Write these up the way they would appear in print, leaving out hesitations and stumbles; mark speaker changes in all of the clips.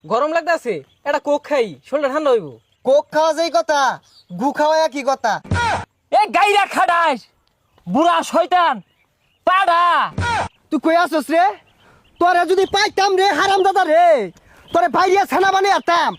Speaker 1: গরম লাগতেছে, এটা কোক খাই, শরীরটা ঠান্ডা হইব।
Speaker 2: কোক খাওয়া যেই কথা, গু খাওয়া কি কথা?
Speaker 3: এ গাইরা খাডাস বুড়া শয়তান পাড়া।
Speaker 2: তুই কই আসছ রে? তোরে যদি পাইতাম রে হারাম দাদা রে, তোরে বাইরিয়া ছানা বানিয়ে আতাম।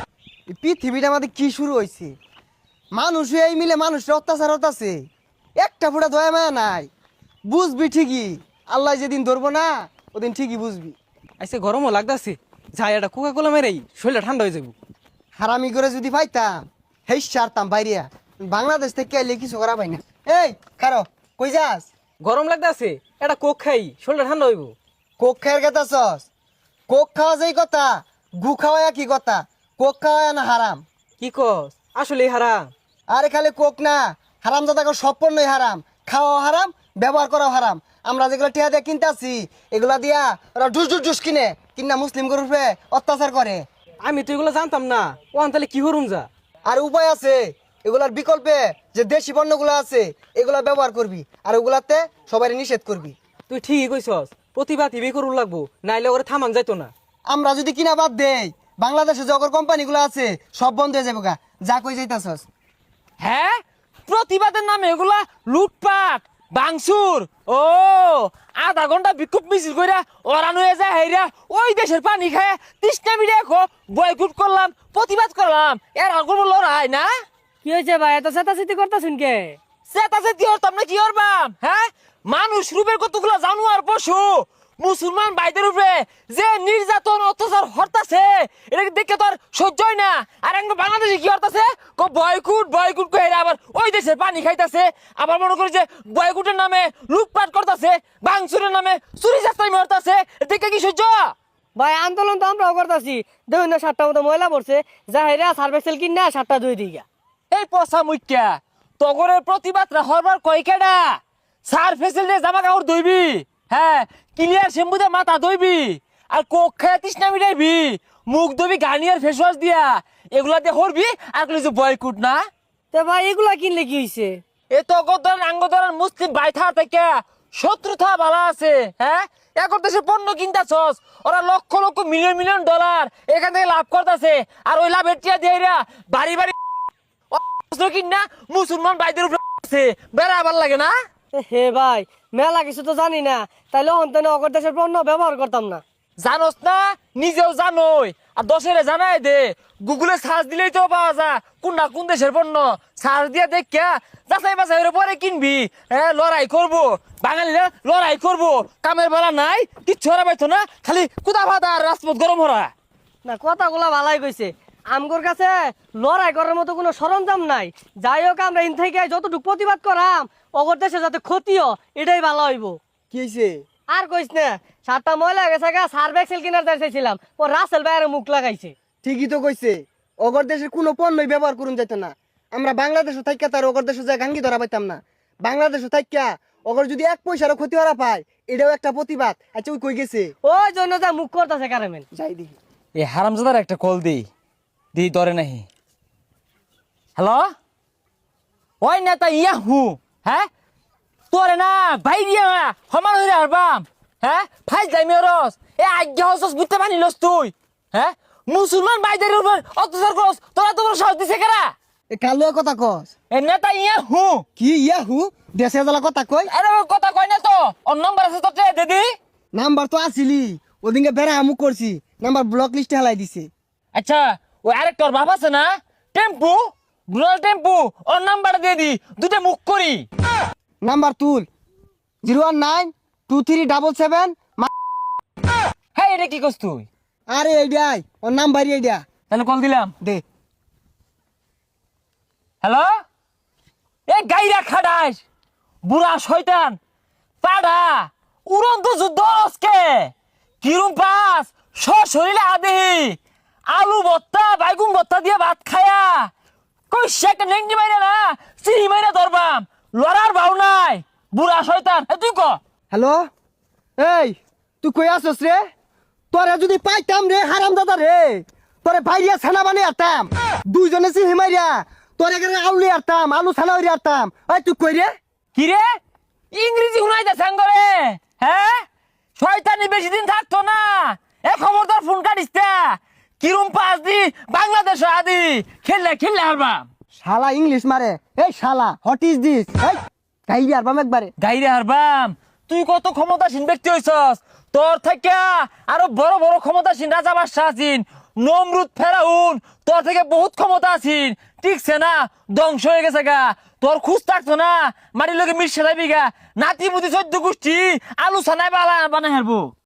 Speaker 2: এই পৃথিবীটা আমাদের কি শুরু হয়েছে? মানুষ এই মিলে মানুষের অত্যাচার হতাছে, একটা ফুটা দয়া মায়া নাই। বুঝবি ঠিকই, আল্লাহ যেদিন ধরবো না ওদিন ঠিকই বুঝবি।
Speaker 1: আইসে গরমও লাগতেছে, যাই এটা কোকা কোলা মেরেই শরীরটা ঠান্ডা হয়ে যাব।
Speaker 2: হারামি করে যদি পাইতাম হেই সারতাম বাইরিয়া। বাংলাদেশ থেকে এলে কিছু করা পাই না। এই খারো, কই যাস?
Speaker 1: গরম লাগতেছে, এটা কোক খাই, শরীরটা ঠান্ডা হইব।
Speaker 2: কোক খাওয়ার কথা সস? কোক খাওয়া যেই কথা, গু খাওয়া কি কথা? কোক খাওয়া না হারাম?
Speaker 1: কি কস? আসলেই হারাম?
Speaker 2: আরে খালি কোক না, হারাম দাদা সব পণ্যই হারাম। খাওয়া হারাম, ব্যবহার করাও হারাম। আমরা যেগুলো টিয়া দিয়ে কিনতে আসি এগুলা দিয়া ওরা ডুস ডুস ডুস কিনে কিনা মুসলিম গরুপে অত্যাচার করে।
Speaker 1: আমি তো এগুলো জানতাম না, ও তাহলে কি করুম যা?
Speaker 2: আর উপায় আছে, এগুলার বিকল্পে যে দেশি পণ্যগুলো আছে এগুলা ব্যবহার করবি, আর ওগুলাতে সবাই নিষেধ করবি।
Speaker 1: তুই ঠিকই কইছস, প্রতিভা টিভি করুন লাগবো, নাইলে ওরে থামান যাইতো না।
Speaker 2: আমরা যদি কিনা বাদ দেই বাংলাদেশে যগর কোম্পানিগুলো আছে সব বন্ধ হয়ে যাবে গা। যা কই যাইতাছস?
Speaker 3: হ্যাঁ, প্রতিবাদের নামে এগুলা লুটপাট বাংসুর। ও আধা ঘন্টা বিক্ষোভ মিছিল কইরা ওরান হয়ে যায় হেরা ওই দেশের পানি খায় তৃষ্ণা মিডিয়া বয়কুট করলাম, প্রতিবাদ করলাম, এর আগুন লড়াই না।
Speaker 4: কি হয়েছে ভাই, এত চেতাচেতি করতেছেন কে?
Speaker 3: সেটাছে কি হরতাম না কি হরবাম? হ্যাঁ, মানুষ রূপের কতগুলো জানোয়ার পশু মুসলমান ভাইদের উপরে যে নির্যাতন অত্যাচার হরতাছে এটা দেখে তো আর সহ্য হয় না। আর একদম বাংলাদেশে কি হরতাছে, বয়কুট বয়কুট কই আবার ওই দেশের পানি খাইতাছে, আবার মনে করে যে বয়কুটের নামে লুটপাট করতেছে, বাংসুরের নামে চুরি চাস্তাই হরতাছে, দেখে কি সহ্য?
Speaker 4: ভাই আন্দোলন তো আমরাও করতেছি, দেখুন না 7টা মতো ময়লা পড়ছে, যা হেরা সার্ভেসেল কিনা 7টা ধুই দিই গা।
Speaker 3: এই পচা মুখ্যা তগরের প্রতিবাদরা হরবার কয়কেডা? সার ফেসিলিটি জামা কাপড় ধুইবি, হ্যাঁ, ক্লিয়ার শ্যাম্পু দিয়ে মাথা ধুইবি, আর কোক খায় তৃষ্ণা মিটাইবি, মুখ ধুবি গার্নিয়ার ফেস ওয়াশ দিয়া, এগুলা দিয়ে হরবি আর কিছু বয়কুট না।
Speaker 4: তো ভাই এগুলা কিনলে কি হয়েছে?
Speaker 3: এ তো গদর আঙ্গদর মুসলিম বাইথা থেকে শত্রুতা ভালো আছে। হ্যাঁ, এখন দেশে পণ্য কিনতাছস, ওরা লক্ষ লক্ষ মিলিয়ন মিলিয়ন ডলার এখান থেকে লাভ করতেছে, আর ওই লাভের টিয়া দিয়ে বাড়ি বাড়ি কিনা মুসলমান ভাইদের উপরে বেড়া আবার লাগে না।
Speaker 4: হে ভাই, মেলা কিছু তো জানি না, তাইলে অন্তনে অগর দেশের পণ্য ব্যবহার করতাম না।
Speaker 3: জানোস না, নিজেও জানোই, আর দশেরে জানাই দে, গুগলে সার্চ দিলেই তো পাওয়া যায় কোনটা কোন দেশের পণ্য। সার্চ দিয়ে দেখা যাচাই বাছাই করে পরে কিনবি। হ্যাঁ, লড়াই করবো, বাঙালিরা লড়াই করবো, কামের বেলা নাই, কিচ্ছু হরা পাইতো না, খালি কুদা ভাতা আর রাজপথ গরম হরা।
Speaker 4: না, কথাগুলা ভালাই কইছে, আমগোর কাছে লড়াই করার মতো কোনো সরঞ্জাম নাই। যাই হোক, আমরা ইন থেকে যতটুকু প্রতিবাদ করাম অগর দেশে যাতে ক্ষতিও, এটাই ভালো হইব।
Speaker 2: কি হয়েছে?
Speaker 4: আর কইস না, 7টা ময়লা গেছে গা, সার্ভেক্সেল কিনার চাইছিলাম, ও রাসেল ভাইয়ের মুখ লাগাইছে।
Speaker 2: ঠিকই তো কইছে, অগর দেশের কোনো পণ্যই ব্যবহার করুন যেত না। আমরা বাংলাদেশও থাইকা তার অগর দেশে যায় গাঙ্গি ধরা পাইতাম না। বাংলাদেশও থাইকা অগর যদি 1 পয়সারও ক্ষতি হরা পায় এটাও একটা প্রতিবাদ। আচ্ছা ওই কই গেছে?
Speaker 4: ওই জন্য যা মুখ করতেছে কারেমেন।
Speaker 2: যাই দেখি।
Speaker 3: এ হারামজাদার একটা কল দি দি ধরে নাহি। হ্যালো, ওই নেতা ইয়া হু, হ্যাঁ, তোরে না বাইরিয়া সমান হইরে হারবাম। হ্যাঁ, ফাইজ যাই মেরস, এ আজ্ঞা হসস বুঝতে পারিলস তুই? হ্যাঁ, মুসলমান ভাইদের উপর অত্যাচার করস, তোরা তোমার সাহস দিছে কেরা?
Speaker 2: এ কালুয়া কথা কস?
Speaker 3: এ নেতা ইয়া হু।
Speaker 2: কি ইয়াহু? দেশে জ্বালা কথা কই?
Speaker 3: আরে কথা কই না তো, ওর নম্বর আছে তো দিদি।
Speaker 2: নাম্বার তো আসিলি, ওদিনকে বেড়া আমুক করছি, নাম্বার ব্লক লিস্টে হেলাই দিছে।
Speaker 3: আচ্ছা, ওই আরেকটার বাপ আছে না, টেম্পু, রুরাল টেম্পু, ওর নাম্বার দিয়ে দি, দুটো মুখ করি।
Speaker 2: নাম্বার তুল, 0192377।
Speaker 3: হ্যাঁ, এটা কি করছ তুই?
Speaker 2: আরে এইটাই ওর নাম্বারই এইটা।
Speaker 3: তাহলে কল দিলাম।
Speaker 2: দে।
Speaker 3: হ্যালো, এ গাইরা খাডাস বুড়া শয়তান পাড়া, উড়ন্ত যুদ্ধ আজকে কিরম পাস শরীরে আদেহি আলু ভর্তা বাইগুন ভর্তা দিয়ে ভাত খায়া কই সে একটা নেংটি মাইরা না চিনি মাইরা ধরবাম, লড়ার ভাও নাই বুড়া শয়তান। তুই ক।
Speaker 2: হ্যালো, এই তুই কই আসছ রে? তোরে যদি পাইতাম রে হারাম দাদা রে, তোরে বাইরিয়া ছানা বানিয়ে আরতাম, দুইজনে সি হিমাইরিয়া তোরে এখানে আলু আরতাম, আলু ছানা হইরে আরতাম। এই তুই কই রে?
Speaker 3: কি রে, ইংরেজি শুনাইতে সাঙ্গরে? হ্যাঁ, শয়তানি বেশি দিন থাকতো না, এ খবরদার ফোন কাটিস না, কিরম পাস দি বাংলাদেশ আদি খেললে হারবাম
Speaker 2: শালা ইংলিশ মারে এই শালা হোয়াট ইজ দিস এই কাইবি আরবাম একবারে
Speaker 3: গাইরে হারবাম তুই কত ক্ষমতাসীন ব্যক্তি হইছস তোর থেকে আরো বড় বড় ক্ষমতাসীন রাজা বাদশাহ আছেন নমরুদ ফেরাউন তোর থেকে বহুত ক্ষমতা আছেন ঠিকছে না ধ্বংস হয়ে গেছে গা তোর খুঁজ থাকতো না মাটির লোকে মিশে যাবি গা নাতি মুতি 14 গোষ্ঠী আলু সানাই বানাই হারবো